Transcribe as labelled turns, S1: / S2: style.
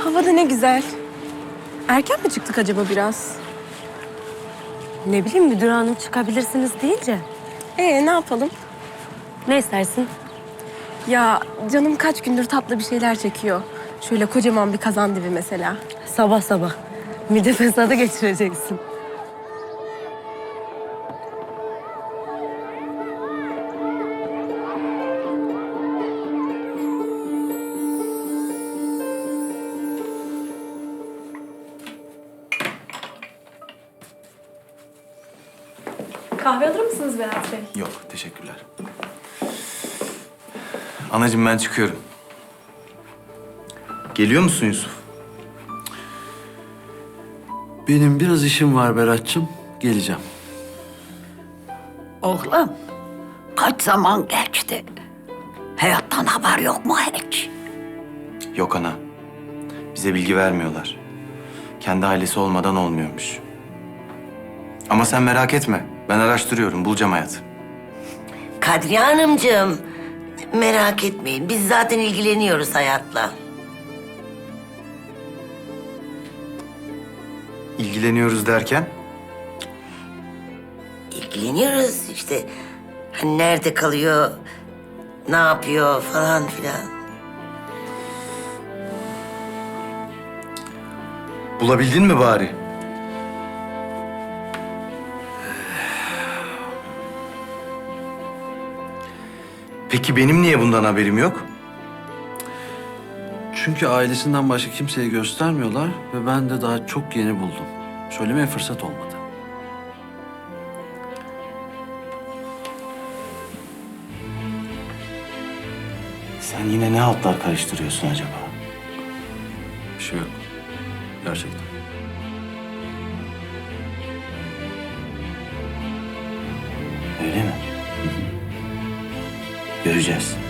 S1: Hava da ne güzel. Erken mi çıktık acaba biraz?
S2: Ne bileyim müdür hanım çıkabilirsiniz deyince.
S1: Ne yapalım?
S2: Ne istersin?
S1: Ya canım kaç gündür tatlı bir şeyler çekiyor. Şöyle kocaman bir kazandibi mesela.
S2: Sabah sabah. Mide fesadı geçireceksin.
S3: Kahve alır mısınız Berat Bey?
S4: Yok, teşekkürler. Anacığım ben çıkıyorum. Geliyor musun Yusuf?
S5: Benim biraz işim var Berat'cığım. Geleceğim.
S6: Oğlum, kaç zaman geçti? Hayattan haber yok mu hiç?
S4: Yok ana. Bize bilgi vermiyorlar. Kendi ailesi olmadan olmuyormuş. Ama sen merak etme. Ben araştırıyorum, bulacağım hayatı.
S7: Kadriye Hanımcığım, merak etmeyin. Biz zaten ilgileniyoruz hayatla.
S4: İlgileniyoruz derken?
S7: İlgileniyoruz işte. Hani nerede kalıyor, ne yapıyor falan filan.
S4: Bulabildin mi bari? Peki benim niye bundan haberim yok?
S5: Çünkü ailesinden başka kimseye göstermiyorlar ve ben de daha çok yeni buldum. Söylemeye fırsat olmadı.
S4: Sen yine ne haltlar karıştırıyorsun acaba?
S5: Bir şey yok. Gerçekten.
S4: Öyle mi? Göreceğiz.